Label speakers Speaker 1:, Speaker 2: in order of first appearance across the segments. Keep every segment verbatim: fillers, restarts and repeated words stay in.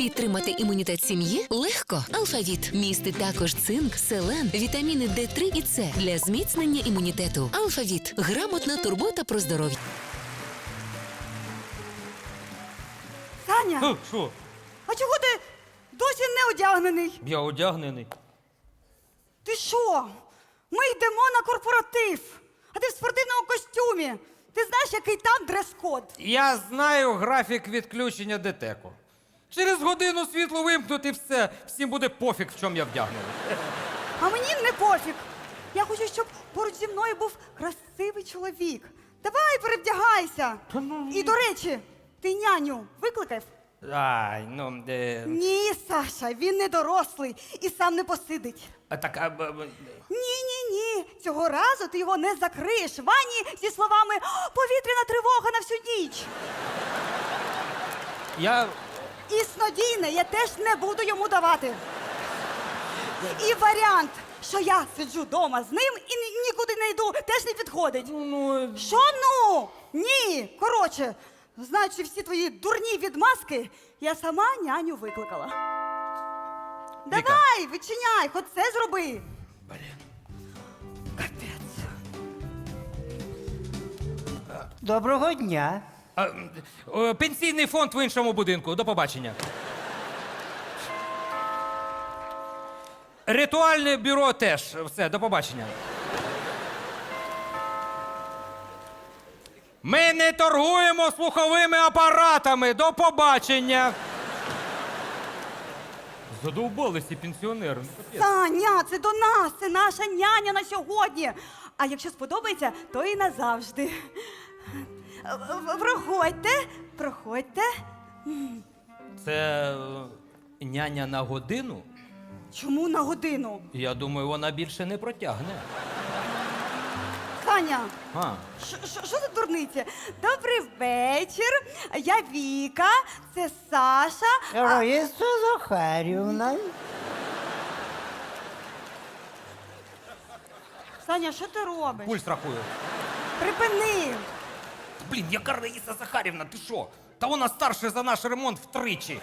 Speaker 1: Підтримати імунітет сім'ї легко. Алфавіт містить також цинк, селен, вітаміни Д три і С для зміцнення імунітету. Алфавіт – грамотна турбота про здоров'я.
Speaker 2: Саня,
Speaker 3: Е, Що?
Speaker 2: а чого ти досі не одягнений?
Speaker 3: Я одягнений.
Speaker 2: Ти що? Ми йдемо на корпоратив, а ти в спортивному костюмі. Ти знаєш, який там дрес-код?
Speaker 3: Я знаю графік відключення ДТЕКу. Через годину світло вимкнути і все. Всім буде пофіг, в чому я вдягнений.
Speaker 2: А мені не пофіг. Я хочу, щоб поруч зі мною був красивий чоловік. Давай, перевдягайся. І, до речі, ти няню викликав?
Speaker 3: Ай, ну, де...
Speaker 2: Ні, Саша, він не дорослий і сам не посидить.
Speaker 3: А так, а... б- б-
Speaker 2: Ні-ні-ні, цього разу ти його не закриєш в ванні зі словами «О, повітряна тривога на всю ніч».
Speaker 3: Я...
Speaker 2: І снодійне я теж не буду йому давати. І варіант, що я сиджу вдома з ним і ні- нікуди не йду, теж не підходить.
Speaker 3: Ну,
Speaker 2: Що ну? Ні. Коротше, знаючи всі твої дурні відмазки, я сама няню викликала. Давай, відчиняй, хоч це зроби.
Speaker 3: блін.
Speaker 2: Капець.
Speaker 4: Доброго дня.
Speaker 3: А, м, е, пенсійний фонд в іншому будинку. До побачення. Ритуальне бюро теж. Все, до побачення. Ми не торгуємо слуховими апаратами. До побачення. Задовбалися ці пенсіонери. ну, капець.
Speaker 2: Таня, це до нас, це наша няня на сьогодні. А якщо сподобається, то і назавжди. В- Проходьте, проходьте.
Speaker 3: Це е, няня на годину?
Speaker 2: Чому на годину?
Speaker 3: Я думаю, вона більше не протягне.
Speaker 2: Таня,
Speaker 3: А.
Speaker 2: що- що що за дурниці? Добрий вечір. Я Віка, це Саша. А,
Speaker 4: Раїса Захарівна.
Speaker 2: Саня, що ти робиш?
Speaker 3: Пульс рахую.
Speaker 2: Припини.
Speaker 3: Блін, яка Раїса Захарівна, ти що? Та вона старша за наш ремонт втричі.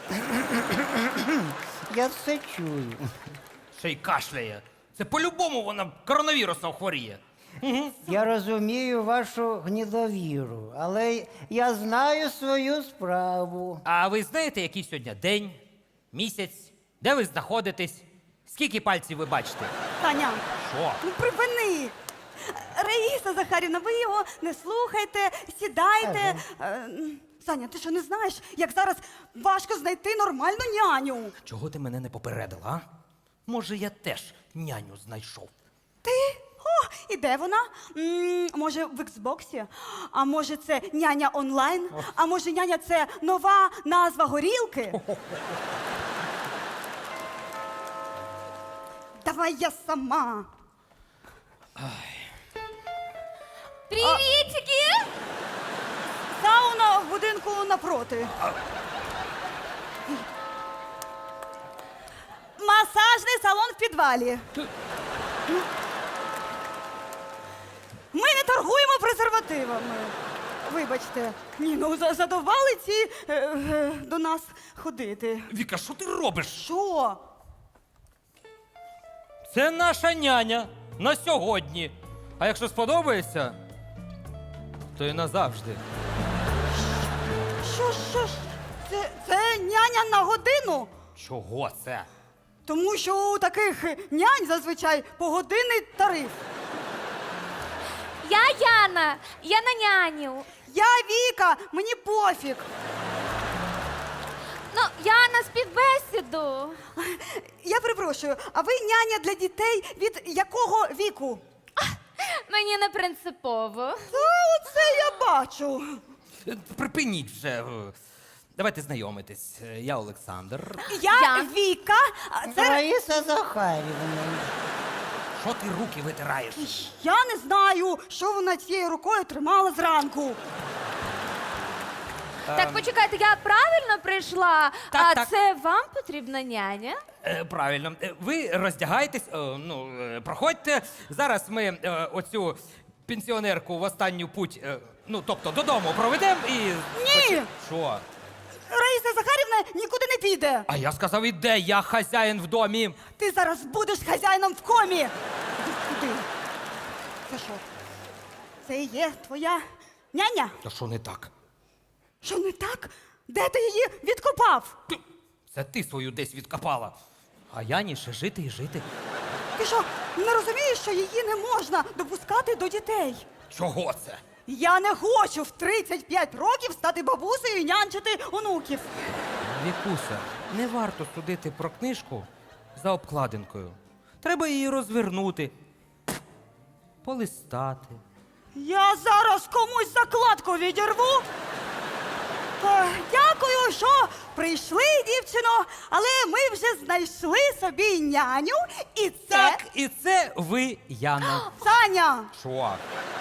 Speaker 4: Я все чую.
Speaker 3: Ще й кашляє. Це по-любому вона коронавірусом хворіє.
Speaker 4: Я розумію вашу гнідовіру, але я знаю свою справу.
Speaker 3: А ви знаєте, який сьогодні день, місяць? Де ви знаходитесь? Скільки пальців ви бачите?
Speaker 2: Таня,
Speaker 3: Що?
Speaker 2: ну припини. Раїса Захарівна, ви його не слухайте, сідайте. Е, Саня, ти що не знаєш, як зараз важко знайти нормальну няню?
Speaker 3: Чого ти мене не попередила, а? Може, я теж няню знайшов.
Speaker 2: Ти? О, і де вона? М, може, в Xbox? А може, це няня онлайн? А може, няня це нова назва горілки? Давай я сама.
Speaker 5: Привітики!
Speaker 2: Сауна в будинку напроти. Масажний салон в підвалі. Ми не торгуємо презервативами. Вибачте. Ні, ну за- задовбали ці е, е, до нас ходити.
Speaker 3: Віка, що ти робиш?
Speaker 2: Що?
Speaker 3: Це наша няня на сьогодні. А якщо сподобається, то і назавжди.
Speaker 2: Що, що ж? Це, це няня на годину?
Speaker 3: Чого це?
Speaker 2: Тому що у таких нянь зазвичай погодинний тариф.
Speaker 5: Я Яна, я на няню.
Speaker 2: Я Віка, мені пофіг.
Speaker 5: Ну, Яна співбесіду.
Speaker 2: Я перепрошую, а ви няня для дітей від якого віку?
Speaker 5: Мені не принципово.
Speaker 2: Та оце я бачу.
Speaker 3: Е, Припиніть вже. Давайте знайомитись. Е, Я Олександр.
Speaker 2: Я,
Speaker 5: Я.
Speaker 2: Віка, а це
Speaker 4: Раїса Захарівна.
Speaker 3: Що ти руки витираєш?
Speaker 2: я не знаю, що вона цією рукою тримала зранку.
Speaker 5: Так, почекайте, я правильно прийшла?
Speaker 3: Так,
Speaker 5: а
Speaker 3: так.
Speaker 5: це вам потрібна няня?
Speaker 3: Е, Правильно. Е, Ви роздягайтесь, е, ну, е, проходьте. Зараз ми е, оцю пенсіонерку в останню путь, е, ну, тобто додому проведемо і...
Speaker 2: Ні!
Speaker 3: Що?
Speaker 2: Раїса Захарівна нікуди не піде.
Speaker 3: А я сказав, іде, я хазяїн в домі.
Speaker 2: Ти зараз будеш хазяїном в комі. Іди сюди. Це що? Це і є твоя няня?
Speaker 3: Та що не так?
Speaker 2: Що не так? Де ти її відкопав?
Speaker 3: Це ти свою десь відкопала. А Яні ще жити і жити.
Speaker 2: Ти що, не розумієш, що її не можна допускати до дітей?
Speaker 3: Чого це?
Speaker 2: Я не хочу в тридцять п'ять років стати бабусею і нянчити онуків.
Speaker 3: Вікуся, не варто судити про книжку за обкладинкою. Треба її розвернути, полистати.
Speaker 2: Я зараз комусь закладку відірву. Е, Дякую, що прийшли, дівчино, але ми вже знайшли собі няню, і це...
Speaker 3: Так, і це ви, Яна.
Speaker 2: Саня!
Speaker 3: Що?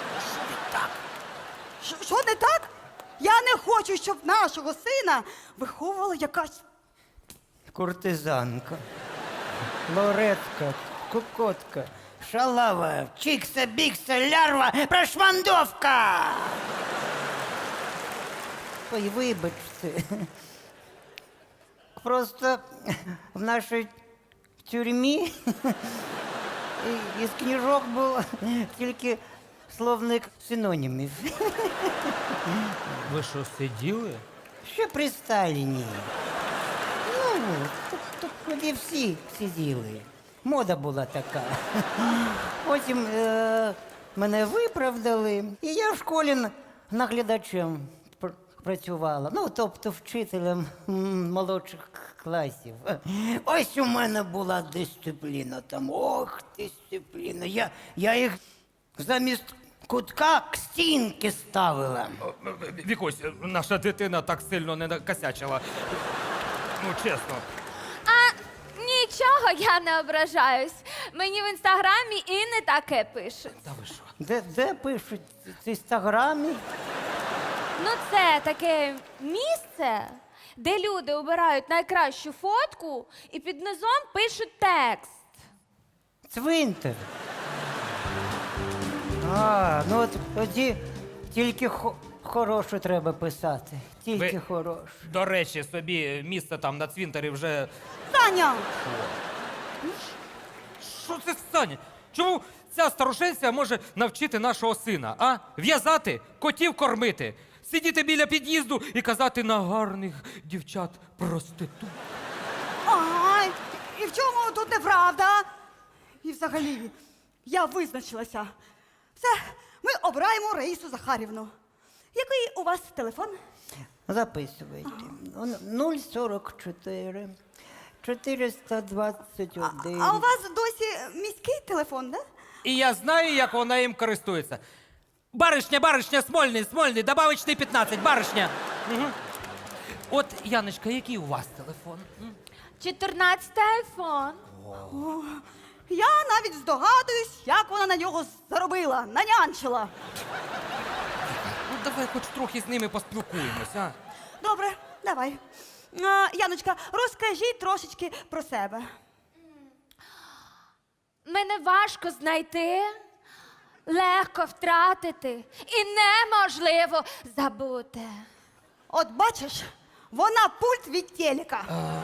Speaker 2: Що- Що не так? Я не хочу, щоб нашого сина виховувала якась...
Speaker 4: Куртизанка, лоретка, кукотка, шалава, чикса, бікса, лярва, прошмандовка. Ой, вибачте. Просто в нашій тюрмі із книжок був тільки словник синонімів.
Speaker 3: Ви що, сиділи?
Speaker 4: Ще при Сталіні. Ну, тут, тут тоді всі сиділи. Мода була така. Потім е, мене виправдали, і я в школі н- наглядачем пр- працювала. Ну, тобто вчителем м, молодших класів. Ось у мене була дисципліна там. Ох, дисципліна. Я, я їх замість кутка к стінки ставила.
Speaker 3: Вікусь, наша дитина так сильно не накосячила. Ну, чесно.
Speaker 5: А нічого, я не ображаюсь. Мені в інстаграмі і не таке пишуть.
Speaker 3: Та ви що?
Speaker 4: Де, де пишуть в інстаграмі?
Speaker 5: Ну, це таке місце, де люди обирають найкращу фотку і під низом пишуть текст.
Speaker 4: Цвинтар. А, ну от тоді тільки хо- хорошу треба писати. Тільки
Speaker 3: Ви-
Speaker 4: хорошу.
Speaker 3: До речі, собі місце там на цвинтарі вже.
Speaker 2: Саня!
Speaker 3: Що це Саня? Чому ця старушенця може навчити нашого сина, а? В'язати, котів кормити, сидіти біля під'їзду і казати на гарних дівчат проститут.
Speaker 2: Ай, і в чому тут неправда? І взагалі, я визначилася. Все, ми обираємо Раїсу Захарівну. Який у вас телефон?
Speaker 4: Записуйте. нуль сорок чотири, чотириста двадцять один.
Speaker 2: А у вас досі міський телефон, да?
Speaker 3: І я знаю, як вона їм користується. Баришня, баришня, Смольний, Смольний, добавочний п'ятнадцять, баришня. Угу. От, Яночка, який у вас телефон? М?
Speaker 5: чотирнадцятий айфон.
Speaker 2: Я навіть здогадуюсь, як вона на нього заробила, нанянчила.
Speaker 3: Ну, давай хоч трохи з ними поспілкуємось, а?
Speaker 2: Добре, давай. А, Яночка, розкажіть трошечки про себе.
Speaker 5: Мене важко знайти, легко втратити і неможливо забути.
Speaker 2: От бачиш, вона пульт від телека.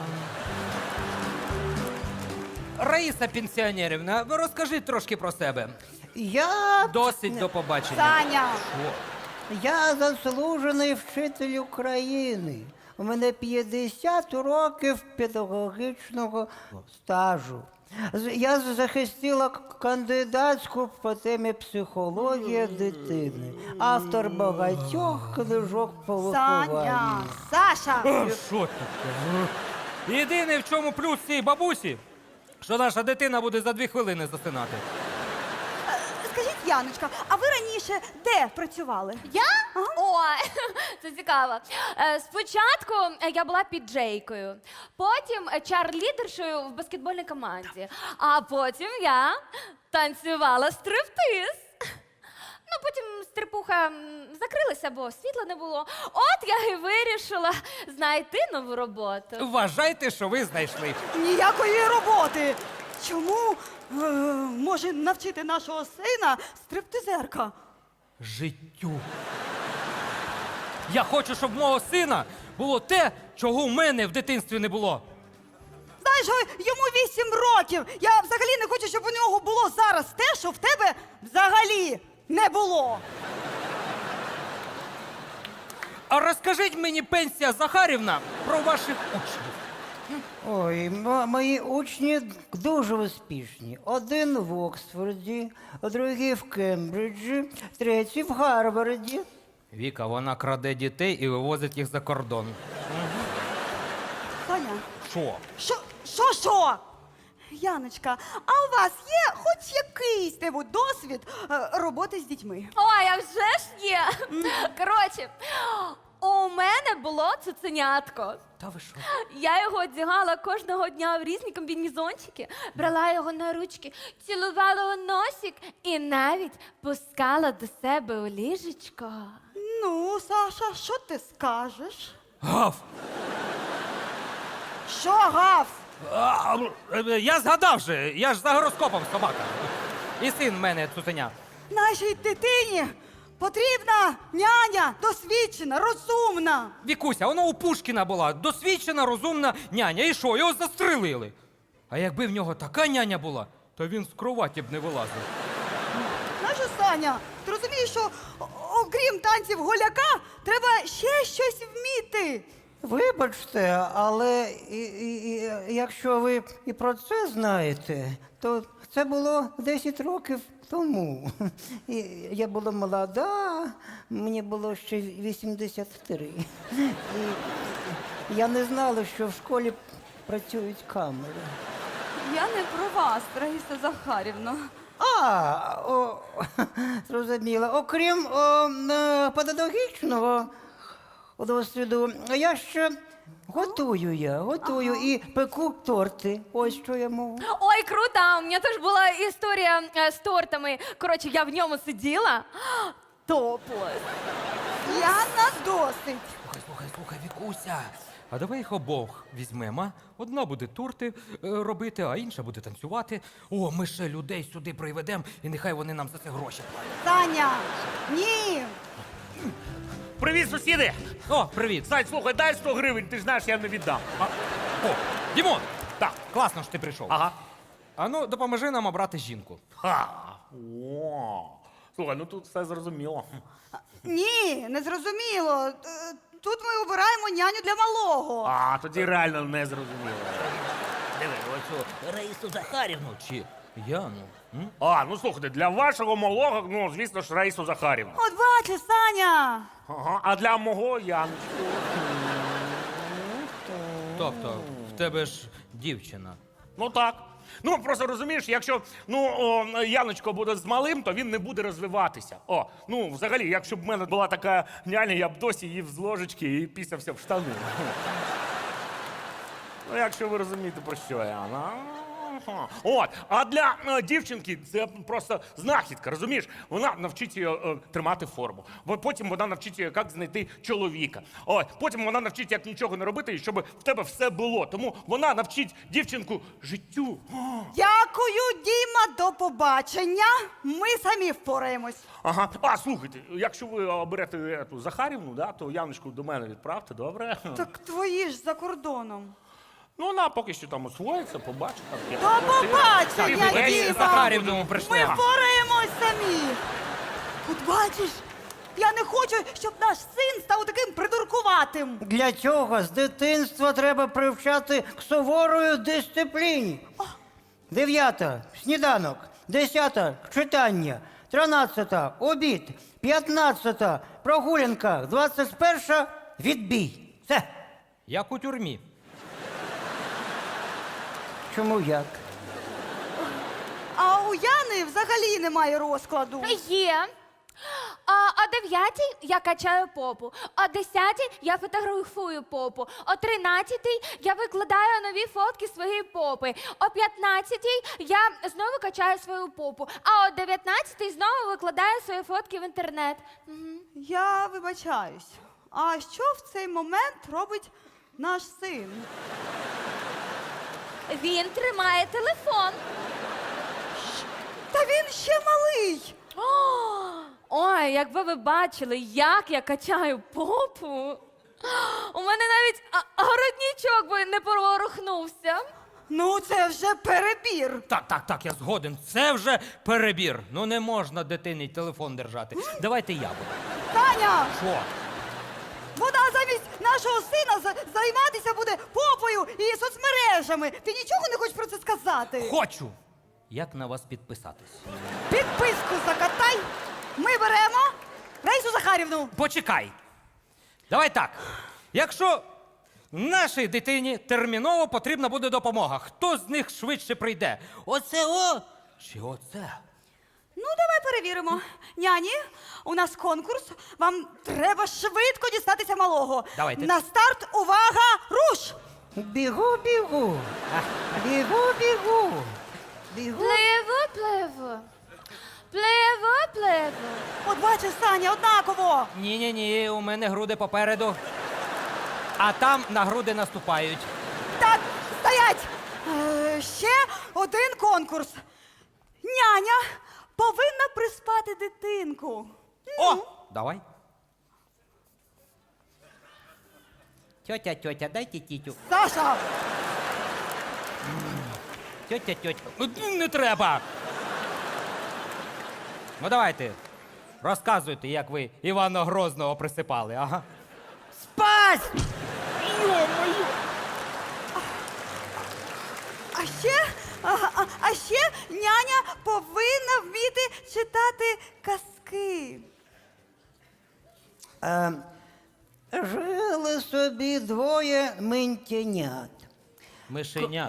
Speaker 3: Раїса Пенсіонерівна, ви розкажіть трошки про себе.
Speaker 4: Я,
Speaker 3: Досить до побачення.
Speaker 2: Саня,
Speaker 3: Що?
Speaker 4: я заслужений вчитель України. У мене п'ятдесят років педагогічного стажу. З- Я захистила к- кандидатську по темі психологія дитини. Автор багатьох книжок по
Speaker 2: Саня,
Speaker 4: вихованню.
Speaker 2: Саша.
Speaker 3: О, Що таке? Єдине, в чому плюс цієї бабусі, що наша дитина буде за дві хвилини засинати.
Speaker 2: Скажіть, Яночка, а ви раніше де працювали?
Speaker 5: Я? Ой, це цікаво. Е, Спочатку е, я була піджейкою, потім е, чар-лідершою в баскетбольній команді, а потім я танцювала стриптиз. Ну, потім стрипуха м, закрилася, бо світла не було. От я і вирішила знайти нову роботу.
Speaker 3: Вважайте, що ви знайшли.
Speaker 2: Ніякої роботи. Чому е, може навчити нашого сина стриптизерка?
Speaker 3: Життю. Я хочу, щоб мого сина було те, чого в мене в дитинстві не було.
Speaker 2: Знаєш, йому вісім років. Я взагалі не хочу, щоб у нього було зараз те, що в тебе взагалі не було.
Speaker 3: А розкажіть мені, пенсія Захарівна, про ваших учнів.
Speaker 4: Ой, мо- мої учні дуже успішні. Один в Оксфорді, другий в Кембриджі, третій в Гарварді.
Speaker 3: Віка, вона краде дітей і вивозить їх за кордон.
Speaker 2: Таня,
Speaker 3: Що?
Speaker 2: що, що, що? Яночка, а у вас є хоч якийсь небудь досвід е, роботи з дітьми?
Speaker 5: Ой, а вже ж є. Коротше, у мене було цуценятко.
Speaker 3: Та ви що?
Speaker 5: Я його одягала кожного дня в різні комбінезончики, брала його на ручки, цілувала у носик і навіть пускала до себе у ліжечко.
Speaker 2: Ну, Саша, що ти скажеш?
Speaker 3: Гав!
Speaker 2: Що гав?
Speaker 3: А, е, я згадав же, я ж за гороскопом собака. І син в мене цуценя.
Speaker 2: Нашій дитині потрібна няня, досвідчена, розумна.
Speaker 3: Вікуся, воно у Пушкіна була досвідчена, розумна няня. І що, його застрелили. А якби в нього така няня була, то він з кроваті б не вилазив.
Speaker 2: Знаєш, Саня, ти розумієш, що о- окрім танців голяка, треба ще щось вміти.
Speaker 4: Вибачте, але і, і, і, якщо ви і про це знаєте, то це було десять років тому. І я була молода, мені було ще вісімдесят три. І я не знала, що в школі працюють камери.
Speaker 2: Я не про вас, Раїса Захарівна.
Speaker 4: А, о, зрозуміла. Окрім о, е, педагогічного досвіду, я ще готую я, готую і пеку торти. Ось що я можу.
Speaker 5: Ой, круто! У мене теж була історія е, з тортами. Коротше, я в ньому сиділа. Топлес.
Speaker 2: Яна, досить.
Speaker 3: Слухай, слухай, слухай, Вікуся. А давай їх обох візьмемо. а? Одна буде торти е, робити, а інша буде танцювати. О, ми ще людей сюди приведемо, і нехай вони нам за це гроші платять.
Speaker 2: Таня, ні.
Speaker 6: Привіт, сусіди!
Speaker 3: О, привіт.
Speaker 6: Сань, слухай, дай сто гривень, ти ж знаєш, я не віддам. А,
Speaker 3: О, Дімон,
Speaker 6: так.
Speaker 3: класно, що ти прийшов.
Speaker 6: Ага.
Speaker 3: А ну, допоможи нам обрати жінку.
Speaker 6: Ха. О. Слухай, ну тут все зрозуміло.
Speaker 2: Ні, не зрозуміло. Е, Тут ми обираємо няню для малого.
Speaker 6: А, тоді реально не зрозуміло.
Speaker 3: Диви, оцю Раїсу Захарівну чи Яну. М?
Speaker 6: А, ну слухайте, для вашого малого, ну, звісно ж, Раїсу Захарівну.
Speaker 2: От бачиш, Саня.
Speaker 6: Ага. А для мого Яночку.
Speaker 3: Тобто, в тебе ж дівчина.
Speaker 6: Ну так. Ну, просто розумієш, якщо ну, о, Яночко буде з малим, то він не буде розвиватися. О, ну, взагалі, якщо б в мене була така няня, я б досі їв з ложечки і пісявся в штани. Ну, якщо ви розумієте, про що я. Ну, ага. От, а для е, дівчинки це просто знахідка, розумієш? Вона навчить її е, тримати форму. Бо потім вона навчить її, як знайти чоловіка. От, потім вона навчить, як нічого не робити, і щоб в тебе все було. Тому вона навчить дівчинку життю.
Speaker 2: Дякую, Діма, до побачення. Ми самі впораємось.
Speaker 6: Ага. А, слухайте, якщо ви оберете ту Захарівну, да, то Яночку до мене відправте, добре?
Speaker 2: Так твої ж за кордоном.
Speaker 6: Ну, вона поки що там освоїться, побачить. Там, як
Speaker 2: До
Speaker 6: працює.
Speaker 2: побачення,
Speaker 3: Ми
Speaker 2: Діма.
Speaker 3: Захарівну
Speaker 2: Ми
Speaker 3: прийшли.
Speaker 2: впораємось самі. От бачиш, я не хочу, щоб наш син став таким придуркуватим.
Speaker 4: Для цього з дитинства треба привчати к суворої дисципліні. Дев'ята сніданок, десята читання, тринадцята обід, п'ятнадцята прогулянка, двадцять перша відбій. Все.
Speaker 3: Як у тюрмі.
Speaker 4: Чому як?
Speaker 2: А у Яни взагалі немає розкладу.
Speaker 5: Є. А о дев'ятій я качаю попу, о десятій я фотографую попу, о тринадцятій я викладаю нові фотки своєї попи, о п'ятнадцятій я знову качаю свою попу, а о дев'ятнадцятій знову викладаю свої фотки в інтернет. Мгм.
Speaker 2: Я вибачаюсь. А що в цей момент робить наш син?
Speaker 5: Він тримає телефон.
Speaker 2: Та він ще малий.
Speaker 5: О, ой, якби ви бачили, як я качаю попу. У мене навіть а, городнічок би не порохнувся.
Speaker 2: Ну, це вже перебір.
Speaker 3: Так, так, так, я згоден. Це вже перебір. Ну не можна дитині телефон держати. Давайте я буду.
Speaker 2: Таня,
Speaker 3: Що?
Speaker 2: вона замість нашого сина за- займатися буде попою і соцмережами. Ти нічого не хочеш про це сказати?
Speaker 3: Хочу! Як на вас підписатись?
Speaker 2: Підписку закатай. Ми беремо Раїсу Захарівну.
Speaker 3: Почекай. Давай так. Якщо нашій дитині терміново потрібна буде допомога, хто з них швидше прийде? Оце о чи оце?
Speaker 2: Ну, давай перевіримо. Няні, у нас конкурс. Вам треба швидко дістатися малого.
Speaker 3: Давайте.
Speaker 2: На старт, увага, руш!
Speaker 4: Бігу, бігу. Бігу, бігу. Бігу.
Speaker 5: Пливу, пливу. Пливу, пливу.
Speaker 2: От бачиш, Саня, однаково.
Speaker 3: Ні-ні-ні, у мене груди попереду. А там на груди наступають.
Speaker 2: Так, стоять! Е, ще один конкурс. Няня повинна приспати дитинку.
Speaker 3: О! Давай. Тьотя, тьотя, дайте тітю.
Speaker 2: Саша,
Speaker 3: Тьотя, тьотя. Ну, не треба. Ну давайте. Розказуйте, як ви Івана Грозного присипали, ага.
Speaker 4: Спать!
Speaker 2: а ще, а, а, а ще няня повинна вміти читати казки.
Speaker 4: Е, жили собі двоє ментянят.
Speaker 3: Мишенят.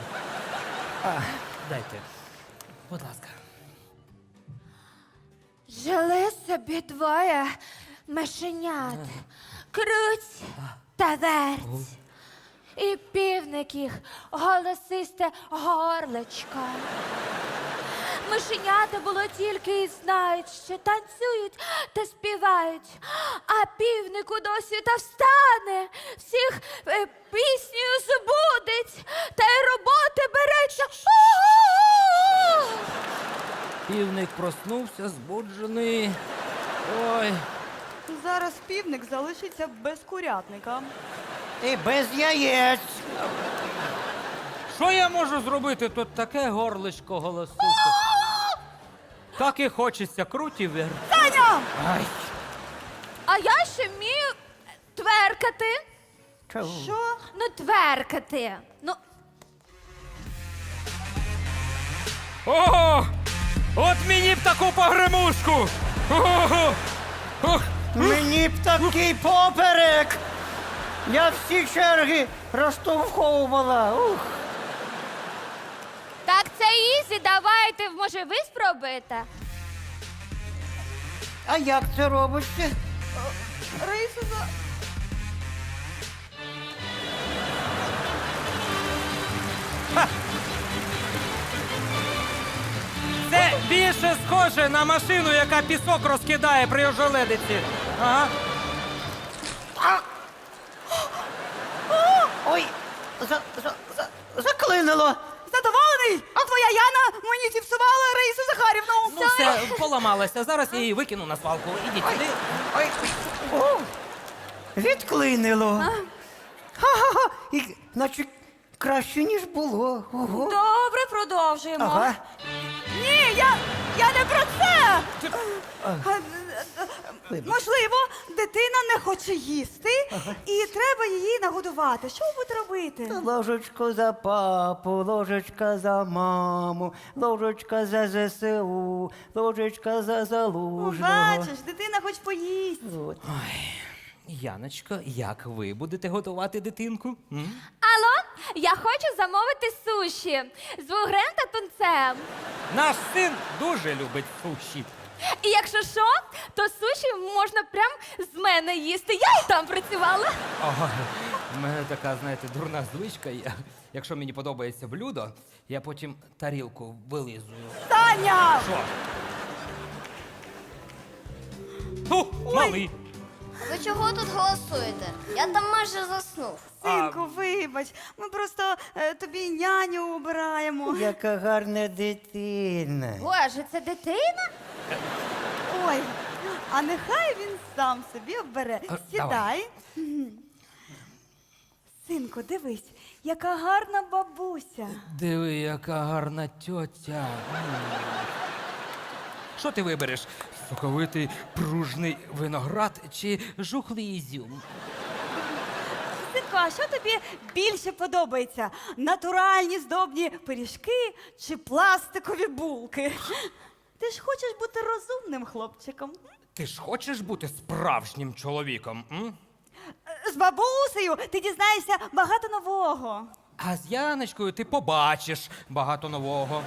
Speaker 3: Дайте. Будь ласка.
Speaker 5: Жили собі двоє мишенят. Круть та верть. І півник їх голосисте горлечко. Мишенята було тільки і знають, що танцюють та співають. А півнику досі та встане, всіх е, піснею збудить, та й роботи береться. У-у-у!
Speaker 3: Півник проснувся, збуджений. Ой.
Speaker 2: Зараз півник залишиться без курятника.
Speaker 4: І без яєць.
Speaker 3: Що я можу зробити? Тут таке горличко голосисте. Так і хочеться круті вверх.
Speaker 2: Таня!
Speaker 3: Ай.
Speaker 5: А я ще вмію тверкати.
Speaker 4: Чого?
Speaker 2: Що?
Speaker 5: Ну, тверкати. Ну,
Speaker 3: О! От мені б таку погремушку! О! Ох!
Speaker 4: Мені б такий поперек. Я всі черги розтовховувала. Ух.
Speaker 5: так це ізі, давайте, може, ви спробуєте?
Speaker 4: А як це робиться?
Speaker 2: Раїса за...
Speaker 3: Це більше схоже на машину, яка пісок розкидає при ожеледиці. Ага.
Speaker 4: Ой, за, за, за, заклинило.
Speaker 2: Задоволений? А твоя Яна мені зіпсувала Раїсу Захарівну.
Speaker 3: Ну все, поламалася. Зараз я її викину на свалку. Ідіть сюди.
Speaker 4: Ой, о, відклинило. Ха-ха-ха. І, наче краще, ніж було. Ого.
Speaker 2: Добре, продовжуємо.
Speaker 4: Ага.
Speaker 2: Ні, я, я не про це. А,
Speaker 4: Вибач.
Speaker 2: Можливо, дитина не хоче їсти, і треба її нагодувати. Що ви будете робити?
Speaker 4: Ложечко за папу, ложечка за маму, ложечка за ЗСУ, ложечка за
Speaker 2: Ну,
Speaker 4: залужного.
Speaker 2: бачиш, дитина хоч поїсть.
Speaker 4: От.
Speaker 3: Яночко, як ви будете готувати дитинку? М?
Speaker 5: Алло, я хочу замовити суші з вугрем та тунцем.
Speaker 3: Наш син дуже любить суші.
Speaker 5: І якщо що, то суші можна прям з мене їсти. Я і там працювала.
Speaker 3: Ага. У мене така, знаєте, дурна звичка. Я, якщо мені подобається блюдо, я потім тарілку вилизую.
Speaker 2: Таня!
Speaker 3: Що? Фу, малий.
Speaker 7: Ви чого тут голосуєте? Я там майже заснув.
Speaker 2: Синку, вибач, ми просто е, тобі няню обираємо.
Speaker 4: Яка гарна дитина.
Speaker 5: Боже, це дитина?
Speaker 2: Ой, А нехай він сам собі обере.
Speaker 3: А,
Speaker 2: Сідай. Мгм. Синку, дивись, яка гарна бабуся.
Speaker 3: Диви, яка гарна тьотя. М. Що ти вибереш? Соковитий пружний виноград чи жухлий ізюм?
Speaker 2: Синку, а що тобі більше подобається? Натуральні здобні пиріжки чи пластикові булки? Ти ж хочеш бути розумним хлопчиком.
Speaker 3: Ти ж хочеш бути справжнім чоловіком? М?
Speaker 2: З бабусею ти дізнаєшся багато нового.
Speaker 3: А з Яночкою ти побачиш багато нового.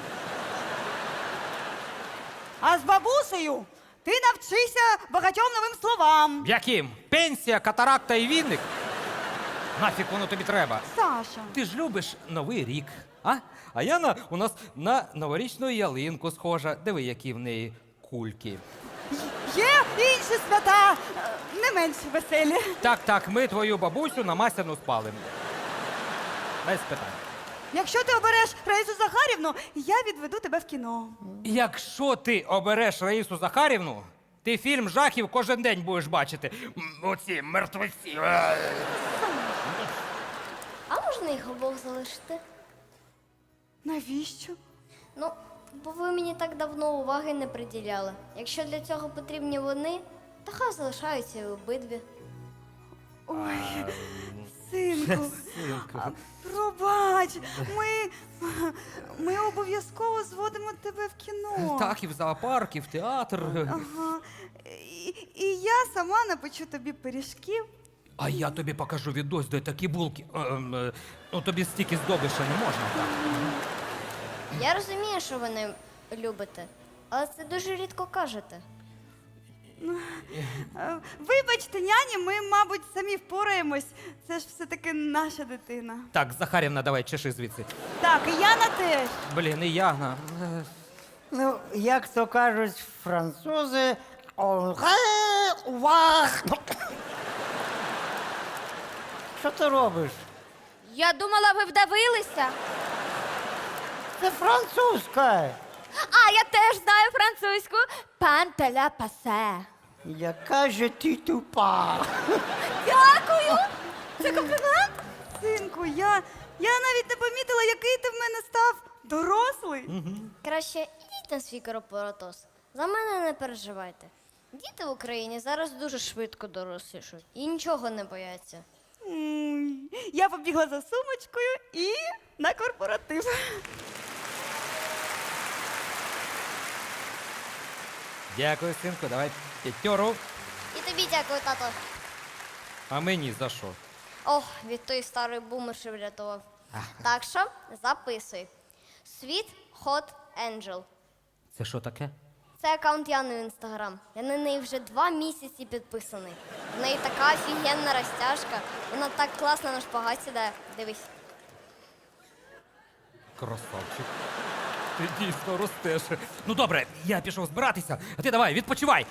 Speaker 2: А з бабусею ти навчишся багатьом новим словам.
Speaker 3: Яким? Пенсія, катаракта і вінник? Нафіг воно тобі треба?
Speaker 2: Саша.
Speaker 3: Ти ж любиш Новий рік, а? А Яна у нас на новорічну ялинку схожа. Диви, які в неї кульки.
Speaker 2: Є інші свята, е, не менш веселі.
Speaker 3: Так, так, ми твою бабусю на масляну спалимо. Без питань.
Speaker 2: Якщо ти обереш Раїсу Захарівну, я відведу тебе в кіно.
Speaker 3: Якщо ти обереш Раїсу Захарівну, ти фільм жахів кожен день будеш бачити. М, Оці мертвеці. Е.
Speaker 7: А можна їх обох залишити?
Speaker 2: Навіщо?
Speaker 7: Ну, бо ви мені так давно уваги не приділяли. Якщо для цього потрібні вони, то хай залишаються і обидві.
Speaker 2: Ой, синку, а, пробач, ми, ми обов'язково зводимо тебе в кіно.
Speaker 3: Так, і в зоопарк, і в театр.
Speaker 2: Ага. І, і я сама напечу тобі пиріжків.
Speaker 3: А я тобі покажу відос, де такі булки. Ем, е, ну тобі стільки здобиша не можна. Так.
Speaker 7: Я розумію, що ви не любите, але це дуже рідко кажете.
Speaker 2: Е, Вибачте, няні, ми, мабуть, самі впораємось. Це ж все-таки наша дитина.
Speaker 3: Так, Захарівна, давай, чеши звідси.
Speaker 2: Так, і Яна теж.
Speaker 3: Блін, і Яна. Е,
Speaker 4: Ну, як то кажуть французи, «Au revoir». Що ти робиш?
Speaker 5: Я думала, ви вдавилися.
Speaker 4: Це французька.
Speaker 5: А, я теж знаю французьку. Пан теля пасе.
Speaker 4: Яка же ти тупа.
Speaker 5: Дякую. Це комплімент?
Speaker 2: Синку, я, я навіть не помітила, який ти в мене став дорослий.
Speaker 7: Краще ідіть на свій корпоратоз. За мене не переживайте. Діти в Україні зараз дуже швидко дорослішають і нічого не бояться.
Speaker 2: М, Я побігла за сумочкою і на корпоратив.
Speaker 3: Дякую, синку, давай п'ятьору.
Speaker 7: І тобі дякую, тато.
Speaker 3: А мені за що?
Speaker 7: Ох, від тої старої бумерші врятував. Так що записуй. Sweet Hot Angel.
Speaker 3: Це що таке?
Speaker 7: Це аккаунт Яни в інстаграм. Я на неї вже два місяці підписаний. В неї така офігенна розтяжка. Вона так класно на шпагат сідає. Дивись.
Speaker 3: Красавчик. Ти дійсно ростеш. Ну добре, я пішов збиратися, а ти давай, відпочивай.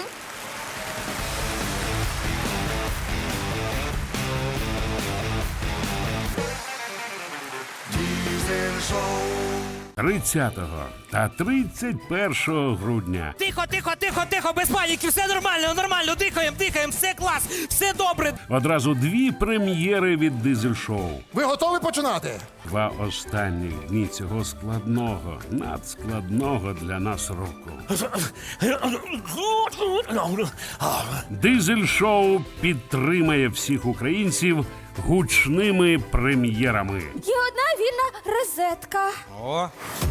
Speaker 8: тридцятого та тридцять першого грудня
Speaker 3: Тихо, тихо, тихо, тихо, без паніки, все нормально, нормально, дихаємо, дихаємо, все клас, все добре.
Speaker 8: одразу дві прем'єри від дизель-шоу.
Speaker 9: Ви готові починати?
Speaker 8: Два останніх дні цього складного, надскладного для нас року. Дизель-шоу підтримає всіх українців гучними прем'єрами.
Speaker 5: Є одна вільна розетка.
Speaker 3: О.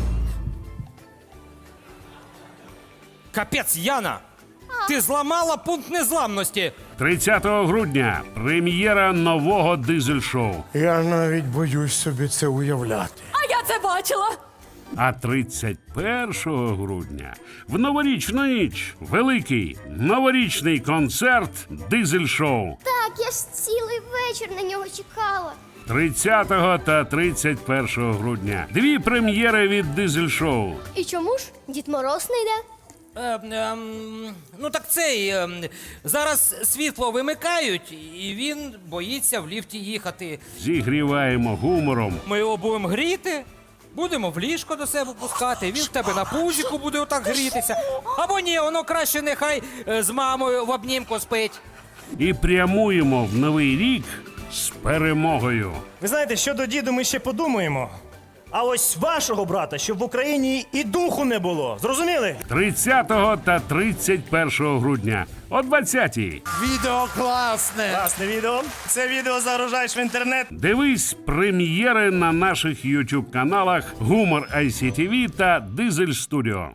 Speaker 3: Капець, Яна! Ти зламала пункт незламності.
Speaker 8: тридцятого грудня прем'єра нового дизель-шоу.
Speaker 9: Я навіть боюсь собі це уявляти.
Speaker 5: А я це бачила.
Speaker 8: А тридцять першого грудня в новорічну ніч великий новорічний концерт дизель-шоу.
Speaker 7: Так, я ж цілий вечір на нього чекала.
Speaker 8: тридцятого та тридцять першого грудня дві прем'єри від дизель-шоу.
Speaker 7: І чому ж Дід Мороз не йде?
Speaker 3: Е, ем, ну так цей. ем, зараз світло вимикають, і він боїться в ліфті їхати.
Speaker 8: Зігріваємо гумором,
Speaker 3: Ми його будемо гріти. Будемо в ліжко до себе пускати, він в тебе на пузіку буде отак грітися. Або ні, воно краще нехай е, з мамою в обнімку спить.
Speaker 8: І прямуємо в новий рік з перемогою.
Speaker 10: Ви знаєте, щодо діду ми ще подумаємо. А ось вашого брата, щоб в Україні і духу не було. Зрозуміли?
Speaker 8: тридцятого та тридцять першого грудня о двадцятій.
Speaker 9: Відео класне.
Speaker 10: Класне відео. Це відео загружаєш в інтернет.
Speaker 8: Дивись прем'єри на наших ютуб каналах Гумор Ай Сі Ті Ви та Дизель Студіо.